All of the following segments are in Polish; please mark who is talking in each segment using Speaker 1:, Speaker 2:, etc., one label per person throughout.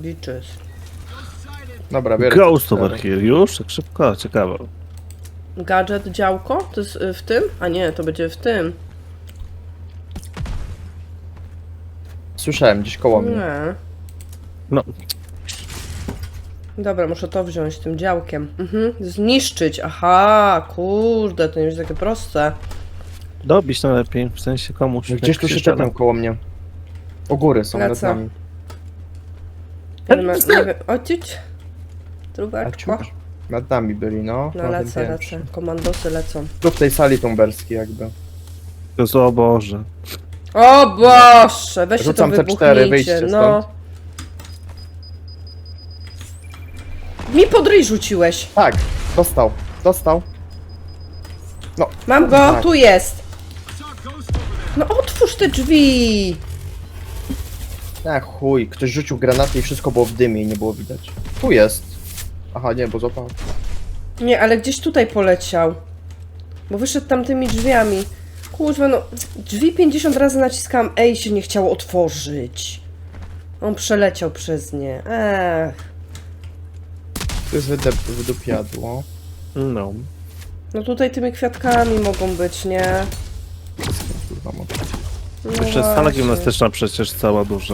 Speaker 1: Liczysz.
Speaker 2: Dobra, biorę
Speaker 3: Ghost
Speaker 2: te
Speaker 3: over
Speaker 2: cztery.
Speaker 3: here. Już? Tak szybko? Ciekawe.
Speaker 1: Gadżet, działko? To jest w tym? A nie, to będzie w tym.
Speaker 2: Słyszałem gdzieś koło mnie.
Speaker 1: Nie.
Speaker 3: No,
Speaker 1: Dobra, muszę to wziąć tym działkiem. Zniszczyć. Aha, kurde, to nie jest takie proste.
Speaker 3: dobić najlepiej, w sensie komuś.
Speaker 2: Gdzieś tu się
Speaker 3: krzyczano.
Speaker 2: czepią koło mnie. U góry są nad
Speaker 1: Lecę.
Speaker 2: nami.
Speaker 1: Nie wiem, ocić? Trubeczko.
Speaker 2: Aciuś. Nad nami byli, no.
Speaker 1: No
Speaker 2: na tym
Speaker 1: lecę,
Speaker 2: piętrze.
Speaker 1: lecę. Komandosy lecą.
Speaker 2: Tu w tej sali tumberskiej jakby.
Speaker 3: To jest, o Boże.
Speaker 1: O Boże, weźcie to
Speaker 2: Rzucam C4,
Speaker 1: wybuchnijcie,
Speaker 2: wyjście
Speaker 1: no. Mi pod ryj rzuciłeś.
Speaker 2: Tak, dostał, dostał. No,
Speaker 1: Mam go,
Speaker 2: tak.
Speaker 1: tu jest. No otwórz te drzwi.
Speaker 2: Chuj, ktoś rzucił granaty i wszystko było w dymie i nie było widać. Tu jest. Aha, nie, bo złapał.
Speaker 1: Nie, ale gdzieś tutaj poleciał. Bo wyszedł tamtymi drzwiami. Kurwa, no. Drzwi 50 razy naciskałam E i się nie chciało otworzyć. On przeleciał przez nie.
Speaker 2: Tu jest wydupiadło.
Speaker 3: No.
Speaker 1: No tutaj tymi kwiatkami mogą być, nie?
Speaker 2: Kurwa, mogę.
Speaker 1: No
Speaker 3: Jeszcze jest sala
Speaker 1: właśnie.
Speaker 3: gimnastyczna przecież cała duża.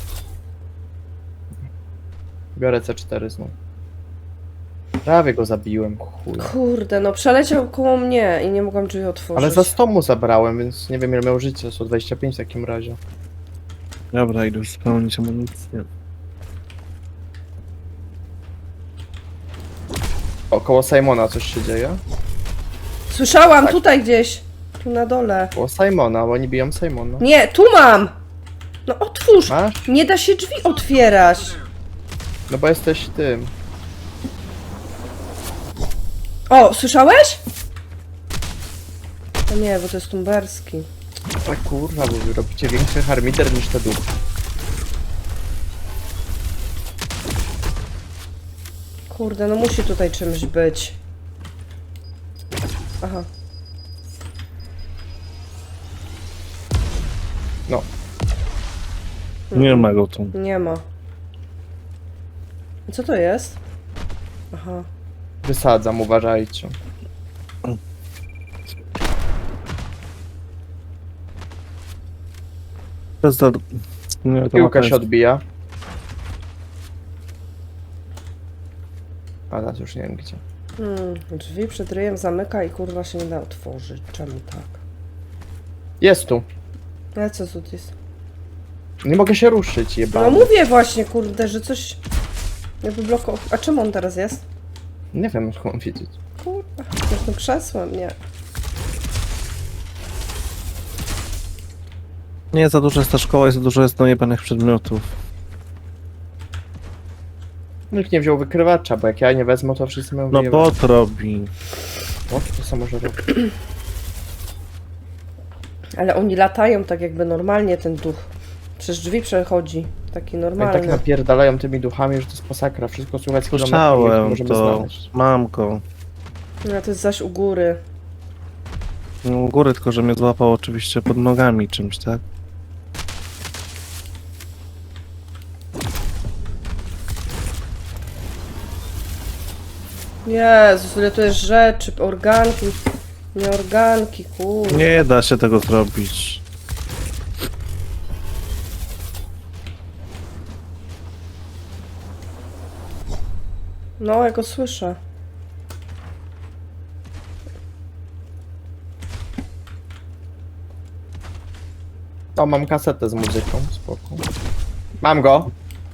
Speaker 2: Biorę C4 znów. Prawie go zabiłem, chuj.
Speaker 1: Kurde, no przeleciał koło mnie i nie mogłam drzwi otworzyć.
Speaker 2: Ale za 100 mu zabrałem, więc nie wiem ile miał życia, 125 w takim razie.
Speaker 3: Dobra, idę już spełnić amunicję.
Speaker 2: Około Simona coś się dzieje?
Speaker 1: Słyszałam,
Speaker 2: Tak.
Speaker 1: tutaj gdzieś. Tu na dole.
Speaker 2: Około Simona, bo oni biją Simona.
Speaker 1: Nie, tu mam! No otwórz!
Speaker 2: Masz?
Speaker 1: Nie da się drzwi otwierać.
Speaker 2: No bo jesteś tym.
Speaker 1: O, słyszałeś? No nie, bo to jest tumberski.
Speaker 2: Tak kurwa, bo wy robicie większy harmiter niż te duchy.
Speaker 1: Kurde, no musi tutaj czymś być. Aha.
Speaker 2: No,
Speaker 3: Nie ma go tu.
Speaker 1: Nie ma. Co to jest? Aha.
Speaker 2: wysadzam, uważajcie.
Speaker 3: To jest to... Nie, to
Speaker 2: Piłka
Speaker 3: ma
Speaker 2: się odbija. A teraz już nie wiem gdzie.
Speaker 1: Drzwi przed ryjem zamyka i kurwa się nie da otworzyć. Czemu tak?
Speaker 2: Jest tu.
Speaker 1: Ale co tu jest?
Speaker 2: Nie mogę się ruszyć,
Speaker 1: No
Speaker 2: jebany.
Speaker 1: mówię właśnie, kurde, że coś... Jakby blokował. A czemu on teraz jest?
Speaker 2: Nie wiem, jak mam wiedzieć.
Speaker 1: Kurwa, jestem krzesłem, nie.
Speaker 3: Nie, za dużo jest ta szkoła i za dużo jest dojebanych przedmiotów.
Speaker 2: Nikt nie wziął wykrywacza, bo jak ja nie wezmę, to wszyscy mają
Speaker 3: No
Speaker 2: wyjebane.
Speaker 3: bot robi.
Speaker 2: O, to samo może robić.
Speaker 1: Ale oni latają tak jakby normalnie ten duch. Przez drzwi przechodzi. Taki
Speaker 2: Oni
Speaker 1: normalny.
Speaker 2: tak napierdalają tymi duchami, że to jest masakra. Wszystko słychać z kilometrów, nie
Speaker 3: Słyszałem
Speaker 2: możemy
Speaker 3: to.
Speaker 2: znaleźć.
Speaker 3: Mam go.
Speaker 1: No to jest zaś u góry.
Speaker 3: No, u góry, tylko że mnie złapał oczywiście pod nogami czymś, tak?
Speaker 1: Jezus, ile to jest rzeczy, organki, nie organki, kurde.
Speaker 3: Nie da się tego zrobić.
Speaker 1: No, ja go słyszę.
Speaker 2: O, mam kasetę z muzyką, spoko. Mam go!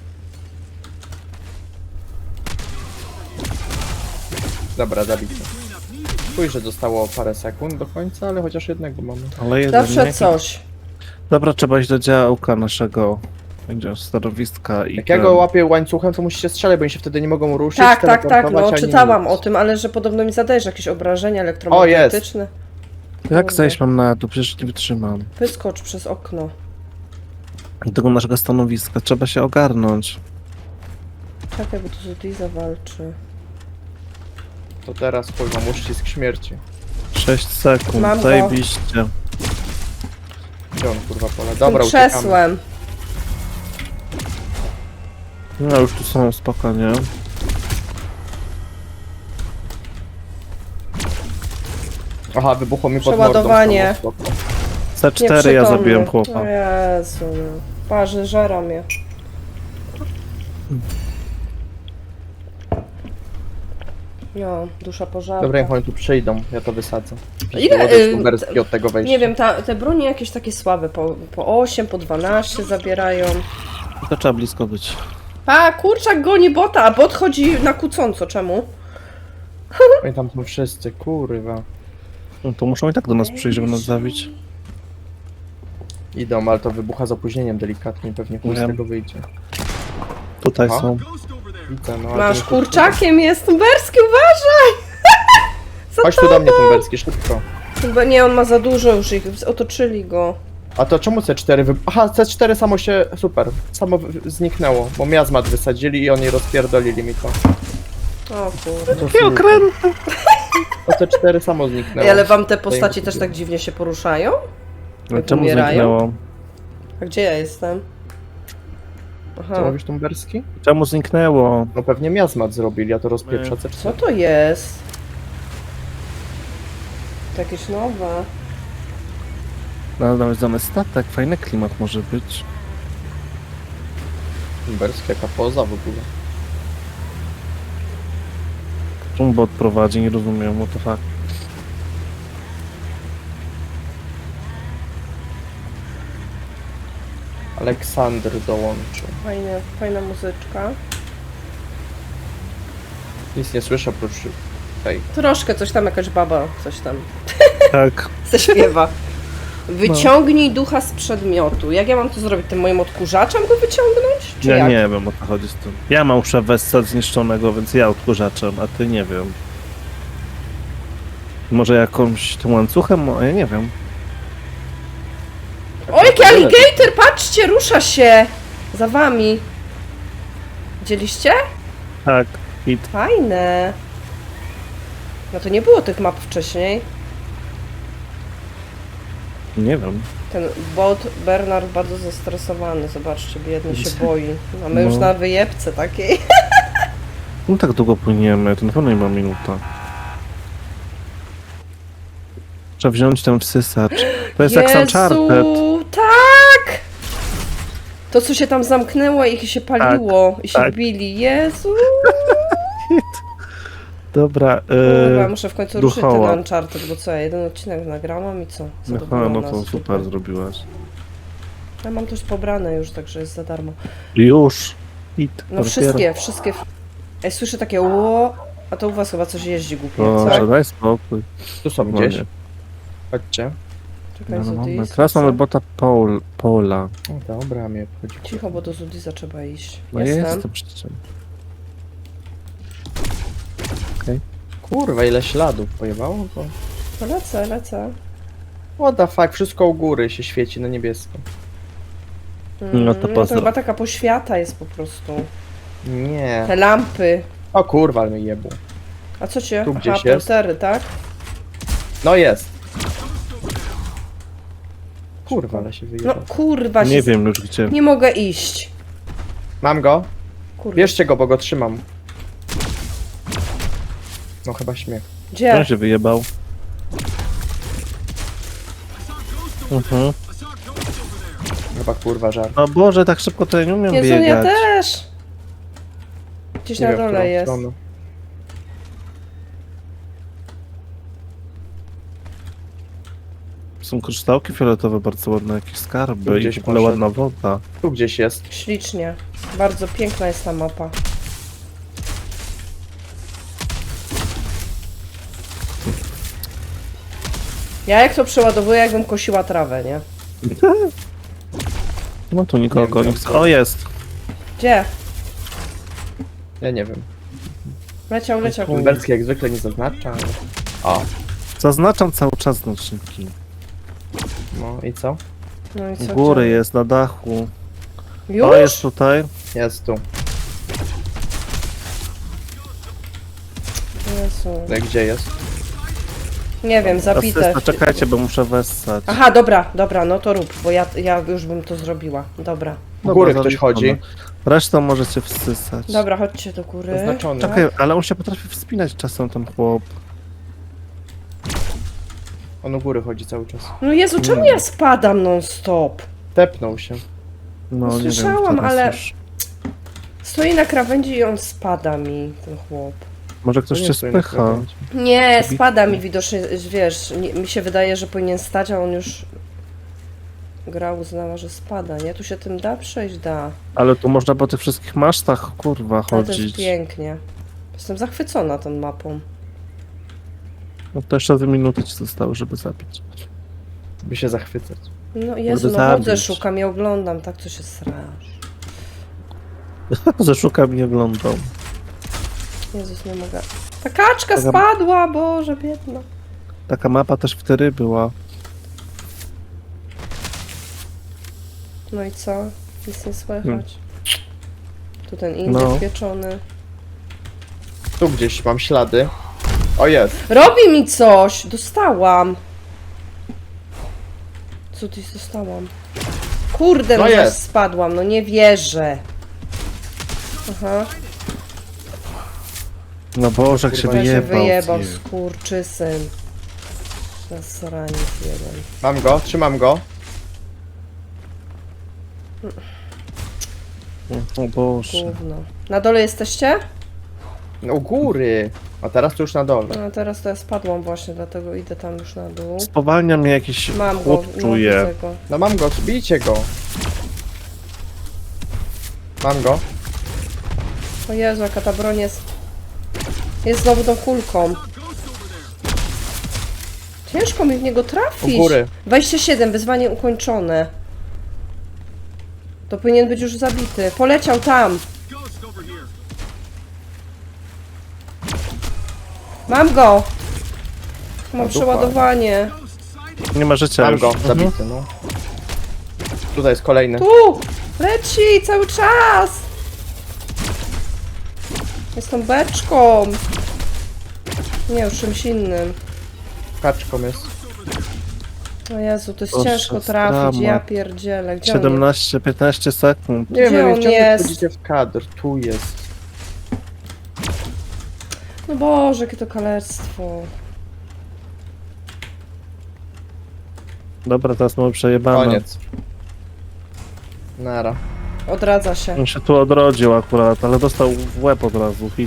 Speaker 2: Dobra, zabity. Chuj, że zostało parę sekund do końca, ale chociaż jednego mamy.
Speaker 3: Ale jeden,
Speaker 1: Zawsze
Speaker 3: nie?
Speaker 1: coś.
Speaker 3: Dobra, trzeba iść do działka naszego. Będzie stanowiska i
Speaker 2: Jak ja go łapię łańcuchem, to musicie strzelać, bo oni się wtedy nie mogą ruszyć,
Speaker 1: Tak, tak, tak,
Speaker 2: teleportować,
Speaker 1: no
Speaker 2: ani
Speaker 1: czytałam
Speaker 2: nic.
Speaker 1: o tym, ale że podobno mi zadajesz jakieś obrażenia elektromagnetyczne.
Speaker 3: Jak zejść mam na dół? Przecież nie wytrzymam.
Speaker 1: Wyskocz przez okno.
Speaker 3: Do tego naszego stanowiska trzeba się ogarnąć.
Speaker 1: Czekaj, bo tu Zudiza walczy.
Speaker 2: To teraz chuj, mam uścisk śmierci.
Speaker 3: 6 sekund,
Speaker 1: Mam go.
Speaker 3: zajebiście.
Speaker 2: Gdzie on kurwa pole?
Speaker 1: Tym
Speaker 2: Dobra, uciekamy.
Speaker 1: krzesłem.
Speaker 3: No już tu są spokojnie.
Speaker 2: Aha, wybuchło mi pod mordą.
Speaker 1: Przeładowanie.
Speaker 2: Stało, spoko.
Speaker 3: C4 ja
Speaker 1: Nieprzytomny.
Speaker 3: zabiłem chłopa.
Speaker 1: O Jezu, no. Parzy, żera mnie. No, dusza pożarta.
Speaker 2: Dobra, niech oni tu przyjdą, ja to wysadzę.
Speaker 1: Ile,
Speaker 2: Tumberski od tego wejścia.
Speaker 1: Nie wiem, te bronie jakieś takie słabe, po 8, po 12 zabierają.
Speaker 3: To trzeba blisko być.
Speaker 1: A, kurczak goni bota, a bot chodzi na kłócąco, czemu?
Speaker 2: Oni tam są wszyscy, kurwa.
Speaker 3: No to muszą i tak do nas przyjść, żeby nas zabić.
Speaker 2: Idą, ale to wybucha z opóźnieniem delikatnie, pewnie chuj z
Speaker 3: Wiem.
Speaker 2: tego wyjdzie.
Speaker 3: Tutaj
Speaker 2: Aha.
Speaker 3: są.
Speaker 2: Widzę, no, ale
Speaker 1: Masz
Speaker 2: to nie-
Speaker 1: kurczakiem, jest Tumberski, uważaj!
Speaker 2: Chodź tu do mnie, Tumberski, szybko.
Speaker 1: Chyba nie, on ma za dużo już ich, otoczyli go.
Speaker 2: A to czemu C4 Aha, C4 samo się... super. Samo zniknęło, bo miazmat wysadzili i oni rozpierdolili mi to.
Speaker 1: O kurde.
Speaker 3: Jakie okręty!
Speaker 2: To C4 samo zniknęło.
Speaker 1: Ej, ale wam te postaci
Speaker 2: Zajmę
Speaker 1: też
Speaker 2: sobie.
Speaker 1: tak dziwnie się poruszają?
Speaker 3: No,
Speaker 1: Jak
Speaker 3: czemu
Speaker 1: umierają?
Speaker 3: zniknęło?
Speaker 1: A gdzie ja jestem? Aha.
Speaker 2: Co mówisz, Tumberski?
Speaker 3: Czemu zniknęło?
Speaker 2: No pewnie miazmat zrobili, a to rozpieprza C4.
Speaker 1: Co to jest? To jakieś nowe.
Speaker 3: No, nawet dany statek, fajny klimat może być.
Speaker 2: Tumberski, jaka poza w ogóle.
Speaker 3: Czemu bot prowadzi? Nie rozumiem, what the fuck.
Speaker 2: Aleksander dołączył.
Speaker 1: Fajna muzyczka.
Speaker 2: Nic nie słyszę oprócz tej.
Speaker 1: Troszkę coś tam, jakaś baba, coś tam
Speaker 3: Tak.
Speaker 1: zaśpiewa. Wyciągnij ducha z przedmiotu. Jak ja mam to zrobić? Tym moim odkurzaczem go wyciągnąć? Czy
Speaker 3: Ja
Speaker 1: jak?
Speaker 3: nie wiem, o co chodzi z tym. Ja mam szewesta zniszczonego, więc ja odkurzaczem, a ty nie wiem. Może jakąś tym łańcuchem? Ja nie wiem.
Speaker 1: O, jaki alligator! Patrzcie, rusza się! Za wami. Widzieliście?
Speaker 3: Tak. I
Speaker 1: Fajne. No to nie było tych map wcześniej.
Speaker 3: nie wiem.
Speaker 1: Ten bot Bernard bardzo zestresowany. Zobaczcie, biedny się boi. A my
Speaker 3: No.
Speaker 1: już na wyjebce takiej.
Speaker 3: No tak długo płyniemy, to na pewno nie ma minuta. Trzeba wziąć ten wsysacz. To jest jak Uncharted.
Speaker 1: Tak! To, co się tam zamknęło i się paliło i się
Speaker 3: tak.
Speaker 1: bili. Jezu!
Speaker 3: Dobra,
Speaker 1: Kurwa, muszę w końcu ruszyć ten
Speaker 3: duchoła.
Speaker 1: Uncharted, bo co, ja jeden odcinek nagrałam i co?
Speaker 3: No,
Speaker 1: Zadowolona,
Speaker 3: no to super zrobiłaś.
Speaker 1: Ja mam to już pobrane już, także jest za darmo.
Speaker 3: Już. Hit.
Speaker 1: No wszystkie. Ej, słyszę takie ło, a to u was chyba coś jeździ głupie, co?
Speaker 3: Boże, daj spokój.
Speaker 2: Tu są
Speaker 3: No
Speaker 2: gdzieś.
Speaker 3: nie.
Speaker 2: Chodźcie.
Speaker 1: Czekaj,
Speaker 3: No,
Speaker 1: Zudis.
Speaker 3: mamy. Teraz mamy bota Paula.
Speaker 2: O, dobra, mnie obchodzi.
Speaker 1: Cicho, bo do Zudisa trzeba iść.
Speaker 3: No jestem przecież.
Speaker 2: Kurwa, ile śladów pojebało go.
Speaker 1: To lecę.
Speaker 2: What the fuck, wszystko u góry się świeci na niebiesko.
Speaker 3: No to
Speaker 1: to
Speaker 3: pozdro.
Speaker 1: chyba taka poświata jest po prostu.
Speaker 2: Nie.
Speaker 1: Te lampy.
Speaker 2: O kurwa, ale mnie jebło.
Speaker 1: A co cię?
Speaker 2: Tu
Speaker 1: Aha,
Speaker 2: gdzieś jest.
Speaker 1: portery, tak?
Speaker 2: No jest. Kurwa, ale się
Speaker 1: No
Speaker 2: wyjebał.
Speaker 1: kurwa się...
Speaker 3: Nie wiem już gdzie.
Speaker 1: Nie mogę iść.
Speaker 2: Mam go.
Speaker 1: Kurwa.
Speaker 2: Bierzcie go, bo go trzymam. No chyba śmiech.
Speaker 1: Gdzie?
Speaker 3: On się wyjebał. Mhm.
Speaker 2: Chyba kurwa żart.
Speaker 3: O Boże, tak szybko to ja nie umiem
Speaker 1: Jezu, ja
Speaker 3: biegać.
Speaker 1: też. Gdzieś
Speaker 2: Nie
Speaker 1: na
Speaker 2: wiem, w którą
Speaker 1: dole jest.
Speaker 2: stronę.
Speaker 3: Są kryształki fioletowe, bardzo ładne, jakieś skarby
Speaker 2: Gdzieś
Speaker 3: i w ogóle
Speaker 2: poszedł.
Speaker 3: ładna woda.
Speaker 2: Tu gdzieś jest.
Speaker 1: Ślicznie. Bardzo piękna jest ta mapa. Ja jak to przeładowuję, jakbym kosiła trawę, nie?
Speaker 3: No tu nikogo
Speaker 2: Nie
Speaker 3: nie
Speaker 2: wiem,
Speaker 3: chce. O, jest!
Speaker 1: Gdzie?
Speaker 2: Ja nie wiem.
Speaker 1: Leciał.
Speaker 2: Tumberski jak zwykle nie zaznacza, ale... O,
Speaker 3: Zaznaczam cały czas znaczniki.
Speaker 2: no i co?
Speaker 1: No i co?
Speaker 3: U góry
Speaker 1: gdzie?
Speaker 3: jest, na dachu.
Speaker 1: Już?
Speaker 3: O, jest tutaj.
Speaker 2: Jest tu.
Speaker 1: Jezu.
Speaker 2: No i gdzie jest?
Speaker 1: Nie wiem, zabite.
Speaker 3: Asysta, czekajcie, bo muszę wessać.
Speaker 1: Aha, dobra, no to rób, bo ja już bym to zrobiła. Dobra.
Speaker 2: U góry
Speaker 3: Dobra,
Speaker 2: ktoś chodzi.
Speaker 3: zaliczone. Resztą możecie wsysać.
Speaker 1: Dobra, chodźcie do góry.
Speaker 2: Zaznaczony.
Speaker 3: Czekaj, ale on się potrafi wspinać czasem, ten chłop.
Speaker 2: On u góry chodzi cały czas.
Speaker 1: No Jezu, czemu ja spadam non stop?
Speaker 2: Tepnął się.
Speaker 3: No, nie
Speaker 1: Słyszałam,
Speaker 3: wiem, teraz
Speaker 1: ale-
Speaker 3: już.
Speaker 1: Stoi na krawędzi i on spada mi, ten chłop.
Speaker 3: Może ktoś
Speaker 2: Nie
Speaker 3: cię
Speaker 2: stoi na
Speaker 3: spycha.
Speaker 2: krawędzi.
Speaker 1: Nie, spada mi widocznie, wiesz, mi się wydaje, że powinien stać, a on już... Gra uznała, że spada, nie? Tu się tym da przejść? Da.
Speaker 3: Ale tu można po tych wszystkich masztach, kurwa,
Speaker 1: Ale to jest
Speaker 3: chodzić.
Speaker 1: pięknie. Jestem zachwycona tą mapą.
Speaker 3: No to jeszcze 2 minuty ci zostały, żeby zabić.
Speaker 2: By się zachwycać.
Speaker 1: No Jezu,
Speaker 3: Żeby
Speaker 1: no chodzę,
Speaker 3: zabić.
Speaker 1: szukam i oglądam, tak co się srasz.
Speaker 3: Zeszukam, nie oglądał.
Speaker 1: Jezus, nie mogę. Ta kaczka
Speaker 3: Taka-
Speaker 1: spadła, Boże, biedna.
Speaker 3: Taka mapa też wtedy była.
Speaker 1: No i co? Nic nie słychać. Tu ten indyk
Speaker 3: No.
Speaker 1: pieczony.
Speaker 2: Tu gdzieś mam ślady. O, jest.
Speaker 1: Robi mi coś! Dostałam. Co ty dostałam? Kurde,
Speaker 2: No
Speaker 1: no zaś
Speaker 2: jest.
Speaker 1: spadłam, no nie wierzę. Aha,
Speaker 3: No Boże, jak się
Speaker 2: Kurwa,
Speaker 1: ja się
Speaker 3: wyjebał.
Speaker 1: wyjebał,
Speaker 3: ty.
Speaker 1: skurczysyn. Zasraniec jeden.
Speaker 2: Mam go, trzymam go.
Speaker 3: O Boże.
Speaker 1: Gówno. Na dole jesteście?
Speaker 2: No, u góry. A teraz to już na dole.
Speaker 1: No teraz to ja spadłam właśnie, dlatego idę tam już na dół.
Speaker 3: Spowalnia mnie jakiś
Speaker 1: Mam go,
Speaker 3: chłop,
Speaker 1: no
Speaker 3: czuję.
Speaker 1: widzę go.
Speaker 2: No mam go, bijcie go. Mam go.
Speaker 1: O Jezu, jaka ta broń jest... Jest znowu tą kulką. Ciężko mi w niego trafić.
Speaker 2: U góry.
Speaker 1: 27, wyzwanie ukończone. To powinien być już zabity. Poleciał tam. Mam go. Mam
Speaker 2: O, dupa.
Speaker 1: przeładowanie.
Speaker 3: Nie ma życia
Speaker 2: Mam
Speaker 3: już.
Speaker 2: go,
Speaker 3: Mhm.
Speaker 2: zabity, no. Tutaj jest kolejny.
Speaker 1: Tu! Leci cały czas! Jest tą beczką. Nie, już czymś innym.
Speaker 2: Kaczką jest.
Speaker 1: O Jezu, to jest
Speaker 3: Boże,
Speaker 1: ciężko trafić,
Speaker 3: drama.
Speaker 1: ja pierdzielę. Gdzie on jest?
Speaker 3: 17-15 sekund.
Speaker 2: Nie
Speaker 1: Gdzie
Speaker 2: wiem,
Speaker 1: on
Speaker 2: ciągle
Speaker 1: jest?
Speaker 2: wchodzicie w kadr. Tu jest.
Speaker 1: No Boże, jakie to kalectwo.
Speaker 3: Dobra, teraz mamy przejebane.
Speaker 2: Koniec. Nara.
Speaker 1: Odradza się.
Speaker 3: On się tu odrodził akurat, ale dostał w łeb od razu. Hit.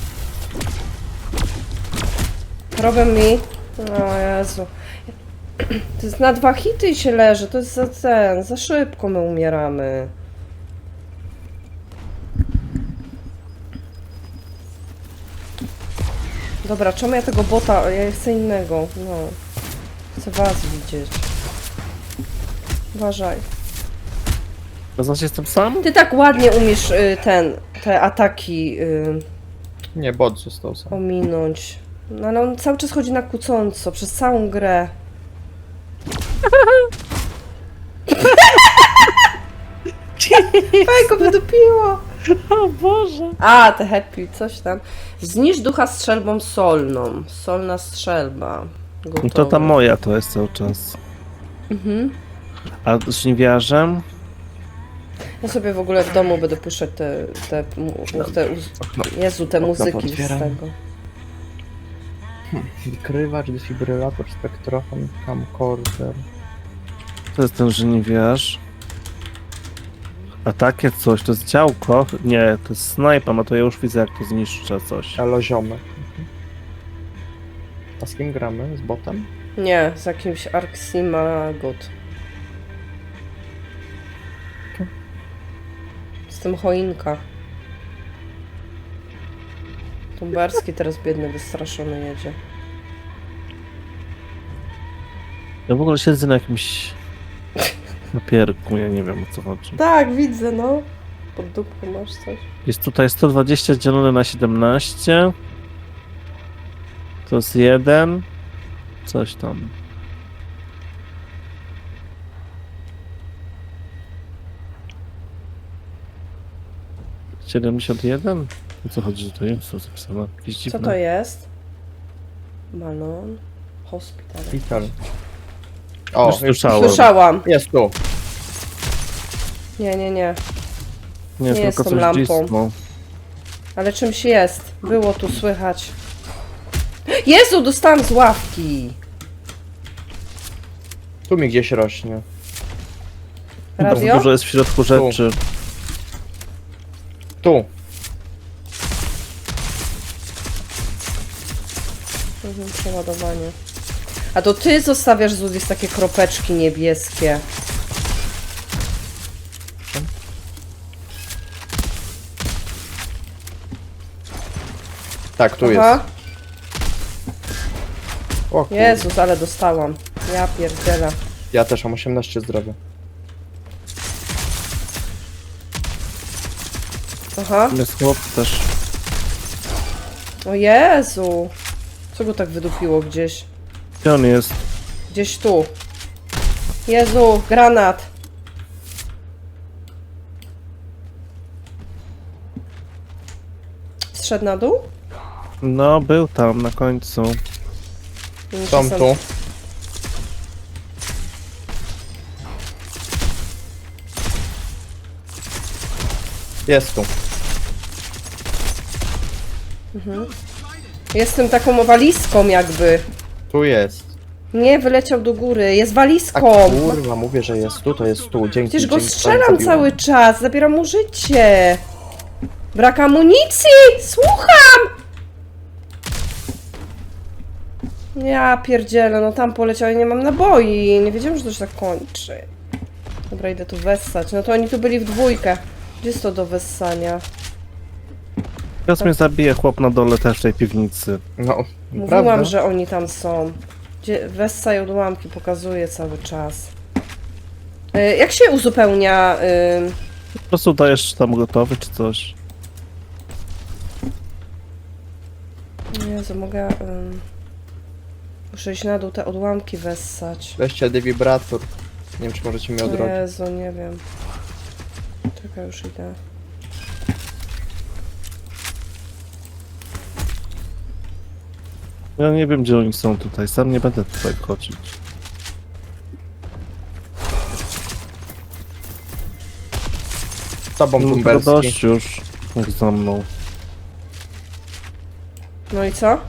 Speaker 1: Robią mi. O Jezu. To jest na 2 hity i się leży. To jest za szybko my umieramy. Dobra, czemu ja tego bota? Ja chcę innego. No. Chcę was widzieć. Uważaj.
Speaker 3: To znaczy jestem sam?
Speaker 1: Ty tak ładnie umiesz te ataki
Speaker 2: Nie, bot został sam.
Speaker 1: ominąć. No ale on cały czas chodzi na kłócąco, przez całą grę. Fajko wydupiło.
Speaker 3: O Boże.
Speaker 1: A, te happy, coś tam. Zniszcz ducha strzelbą solną. Solna strzelba.
Speaker 3: No
Speaker 1: Gotowe.
Speaker 3: to ta moja to jest cały czas.
Speaker 1: Mhm.
Speaker 3: A z żniwiarzem?
Speaker 1: Ja sobie w ogóle w domu będę puszczać Jezu, te muzyki z
Speaker 2: otwieram.
Speaker 1: tego.
Speaker 2: Wykrywacz, defibrylator, spektrofon, camcorder.
Speaker 3: To jest ten żniwiarz. A takie coś, to jest działko? Nie, to jest snajpa, a to ja już widzę jak to zniszczę coś.
Speaker 2: Aloziomek. A z kim gramy? Z botem?
Speaker 1: Nie, z jakimś Arximagot. Z tym choinka. Tumberski teraz biedny, wystraszony jedzie.
Speaker 3: Ja w ogóle siedzę na jakimś papierku, ja nie wiem o co chodzi.
Speaker 1: Tak, widzę, no. Pod dupką masz coś.
Speaker 3: Jest tutaj 120 dzielone na 17. To jest 1. Coś tam. - 71? O co chodzi, że to jest? Co zapisane? Jakieś
Speaker 1: Co
Speaker 3: dziwne.
Speaker 1: to jest? Balon. Hospital.
Speaker 2: Szpital. O,
Speaker 3: Już
Speaker 2: już
Speaker 3: słyszałem.
Speaker 1: Słyszałam.
Speaker 2: jest tu.
Speaker 1: Nie.
Speaker 3: Nie,
Speaker 1: Nie
Speaker 3: tylko
Speaker 1: jest tą
Speaker 3: coś
Speaker 1: lampą.
Speaker 3: blisko.
Speaker 1: Ale czymś jest. Było tu słychać. Jezu, dostałam z ławki.
Speaker 2: Tu mi gdzieś rośnie.
Speaker 3: Bardzo
Speaker 1: Radio?
Speaker 3: dużo jest w środku rzeczy.
Speaker 2: Tu.
Speaker 1: Przeładowanie. A to ty zostawiasz, Zudis, takie kropeczki niebieskie.
Speaker 2: Tak, tu jest.
Speaker 1: Aha.
Speaker 2: O kurde.
Speaker 1: Jezus, ale dostałam. Ja pierdzielę.
Speaker 2: Ja też mam 18 zdrowia.
Speaker 1: Aha.
Speaker 3: Jest chłop też.
Speaker 1: O Jezu. Co go tak wydupiło gdzieś?
Speaker 3: Gdzie on jest?
Speaker 1: Gdzieś tu. Jezu, granat. Zszedł na dół?
Speaker 3: No, był tam na końcu.
Speaker 2: Są tu. Jest tu.
Speaker 1: Jestem taką walizką jakby.
Speaker 2: Tu jest.
Speaker 1: Nie, wyleciał do góry. Jest
Speaker 2: A
Speaker 1: walizką.
Speaker 2: kurwa, mówię, że jest tu, to jest tu. Dzięki.
Speaker 1: Przecież go
Speaker 2: dzięki,
Speaker 1: strzelam
Speaker 2: zabiłem.
Speaker 1: cały czas. Zabieram mu życie. Brak amunicji! Słucham! Ja pierdzielę, no tam poleciał i nie mam naboi. Nie wiedziałam, że to się tak kończy. Dobra, idę tu wessać. No to oni tu byli w dwójkę. Gdzie jest to do wessania?
Speaker 3: Teraz mnie zabije chłop na dole też w tej piwnicy.
Speaker 2: No,
Speaker 1: Mówiłam,
Speaker 2: prawda?
Speaker 1: że oni tam są. Gdzie wessaj odłamki pokazuje cały czas. Jak się uzupełnia...
Speaker 3: Po prostu dajesz tam gotowy czy coś.
Speaker 1: Jezu, mogę... Muszę iść na dół te odłamki wessać.
Speaker 2: Weźcie defibrator. Nie wiem, czy możecie mnie
Speaker 1: O
Speaker 2: odrodzić.
Speaker 1: Jezu, nie wiem. Czekaj, już idę.
Speaker 3: Ja nie wiem, gdzie oni są tutaj. Sam nie będę tutaj chodzić.
Speaker 2: Z tobą
Speaker 3: Już
Speaker 2: Tumberski.
Speaker 3: dość już. Jak za mną.
Speaker 1: No i co?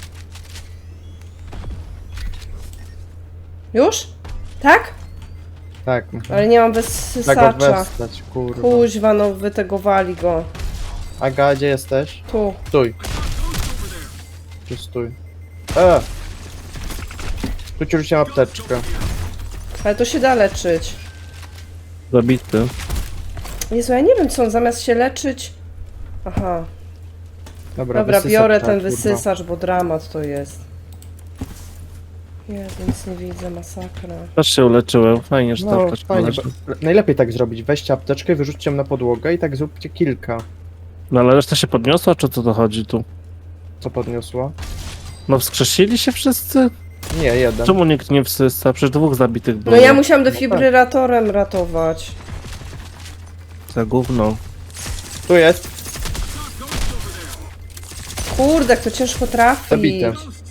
Speaker 1: Już? Tak?
Speaker 2: Tak.
Speaker 1: Ale nie mam
Speaker 2: Tak
Speaker 1: wysysacza.
Speaker 2: odwestać, kurwa.
Speaker 1: Kuźwa, no wytegowali go.
Speaker 2: Aga, gdzie jesteś?
Speaker 1: Tu.
Speaker 2: Stój. Tu stój. Tu ci rzuciłem apteczkę.
Speaker 1: Ale to się da leczyć.
Speaker 3: Zabity.
Speaker 1: Jezu, ja nie wiem co on zamiast się leczyć... Aha. Dobra,
Speaker 2: wysysacz,
Speaker 1: biorę
Speaker 2: tak,
Speaker 1: ten
Speaker 2: kurwa.
Speaker 1: wysysacz, bo dramat to jest. Jezu, nic nie widzę, masakra.
Speaker 3: Też się uleczyłem. Fajnie, że ta
Speaker 2: No,
Speaker 3: apteczka
Speaker 2: fajnie.
Speaker 3: leży.
Speaker 2: Najlepiej tak zrobić. Weźcie apteczkę, wyrzućcie ją na podłogę i tak zróbcie kilka.
Speaker 3: No ale reszta się podniosła, czy co to chodzi tu?
Speaker 2: Co podniosła?
Speaker 3: No wskrzesili się wszyscy?
Speaker 2: Nie, jeden.
Speaker 3: Czemu nikt nie wsysa? Przecież dwóch zabitych było.
Speaker 1: No ja musiałam defibrylatorem ratować.
Speaker 3: Za gówno.
Speaker 2: Tu jest.
Speaker 1: Kurde, jak to ciężko trafić.
Speaker 2: Zabite.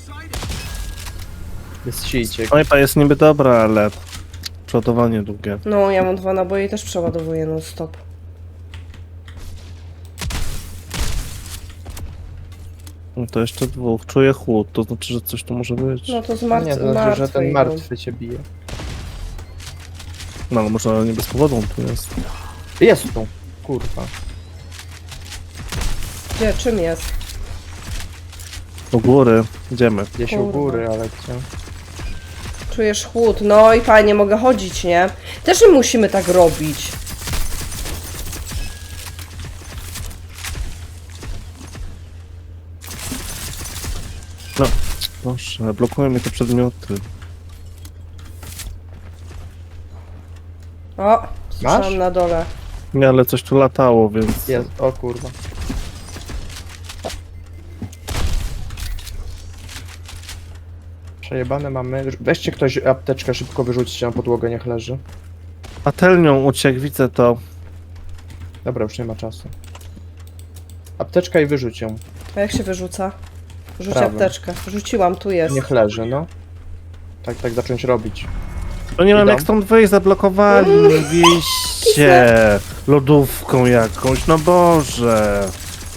Speaker 2: Jest sijciek.
Speaker 3: Snajpa jest niby dobra, ale... Przodowanie długie.
Speaker 1: No, ja mam 2 naboje i też przeładowuję non stop.
Speaker 3: No to jeszcze dwóch. Czuję chłód, to znaczy, że coś tu może być.
Speaker 1: No to z
Speaker 2: Nie, to znaczy, że ten
Speaker 1: martwy.
Speaker 2: martwy cię bije.
Speaker 3: No ale może nie bez powodu on tu jest.
Speaker 2: Jest tu. Kurwa.
Speaker 1: Gdzie, czym jest?
Speaker 3: Do góry. Idziemy.
Speaker 2: Gdzieś u
Speaker 1: Kurwa.
Speaker 2: góry, ale gdzie?
Speaker 1: Czujesz chłód. No i fajnie, mogę chodzić, nie? Też my musimy tak robić.
Speaker 3: No. Proszę, blokują mnie te przedmioty.
Speaker 1: O, słyszałam
Speaker 2: Masz?
Speaker 1: na dole.
Speaker 3: Nie, ale coś tu latało, więc...
Speaker 2: Jest. O kurwa. Przejebane mamy. Weźcie ktoś apteczkę, szybko wyrzućcie na podłogę, niech leży.
Speaker 3: Patelnią uciekł, widzę to.
Speaker 2: Dobra, już nie ma czasu. Apteczka i wyrzuć ją.
Speaker 1: A jak się wyrzuca? Rzuć
Speaker 2: Prawym.
Speaker 1: apteczkę. Rzuciłam, tu jest.
Speaker 2: Niech leży, no. tak zacząć robić.
Speaker 3: No nie mam
Speaker 2: Idą.
Speaker 3: jak stąd wyjść, zablokowali mnie wyjście lodówką jakąś, no Boże.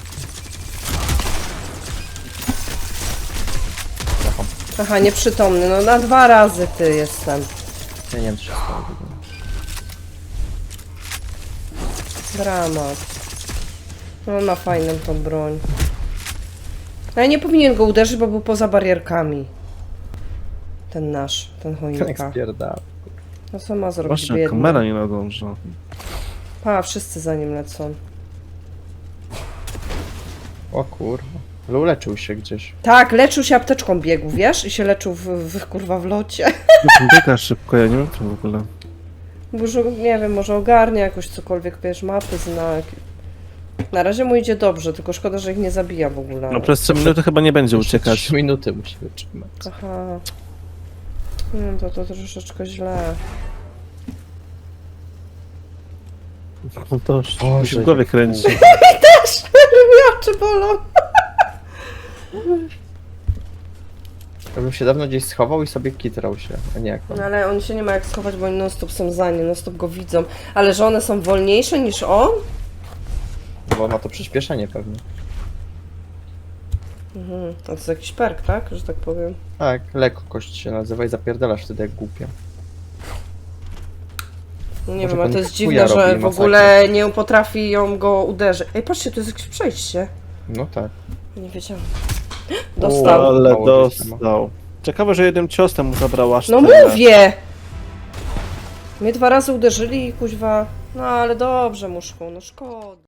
Speaker 1: Aha, nieprzytomny, no na 2 razy ty jestem.
Speaker 2: Ja nie wiem, co się stało.
Speaker 1: Dramat. No ma fajną tą broń. No i nie powinien go uderzyć, bo był poza barierkami. Ten nasz, ten
Speaker 2: Jak
Speaker 1: choinka.
Speaker 2: spierdala.
Speaker 1: No co ma zrobić
Speaker 3: Właśnie,
Speaker 1: biedny?
Speaker 3: kamera nie nadąża.
Speaker 1: Pa, wszyscy za nim lecą.
Speaker 2: O kurwa. Ale uleczył się gdzieś.
Speaker 1: Tak, leczył się apteczką biegł, wiesz? I się leczył kurwa w locie.
Speaker 3: Biega szybko, ja nie wiem co w ogóle.
Speaker 1: Może, nie wiem, może ogarnia jakoś cokolwiek, wiesz, mapy, znak. Na razie mu idzie dobrze, tylko szkoda, że ich nie zabija w ogóle.
Speaker 3: No przez 3 minuty chyba nie będzie uciekać.
Speaker 2: 3 minuty musi wytrzymać.
Speaker 1: Aha. No to troszeczkę źle.
Speaker 3: No to już
Speaker 2: Boże,
Speaker 3: mi się w głowie kręci.
Speaker 1: Oczy bolą.
Speaker 2: Ja bym się dawno gdzieś schował i sobie kitrał się, a nie jak on.
Speaker 1: No ale on się nie ma jak schować, bo oni non stop są za nim, non stop go widzą. Ale że one są wolniejsze niż on?
Speaker 2: Bo ma to przyspieszenie pewnie.
Speaker 1: Mhm. To jest jakiś perk, tak? Że tak powiem.
Speaker 2: Tak, lekkość się nazywa i zapierdalasz wtedy jak głupia.
Speaker 1: No nie
Speaker 2: Może
Speaker 1: wiem, a
Speaker 2: pan
Speaker 1: to jest
Speaker 2: chuja
Speaker 1: dziwne, że
Speaker 2: robi
Speaker 1: w
Speaker 2: masakra.
Speaker 1: ogóle nie potrafi ją go uderzyć. Ej, patrzcie, to jest jakieś przejście.
Speaker 2: No tak.
Speaker 1: Nie wiedziałam. Dostał.
Speaker 3: Ale
Speaker 2: Mało żeś tam.
Speaker 3: dostał. Ciekawe, że jednym ciosem mu zabrał aż
Speaker 1: No
Speaker 3: tyle.
Speaker 1: mówię! Mnie 2 razy uderzyli i kuźwa... No ale dobrze, muszku, no szkoda.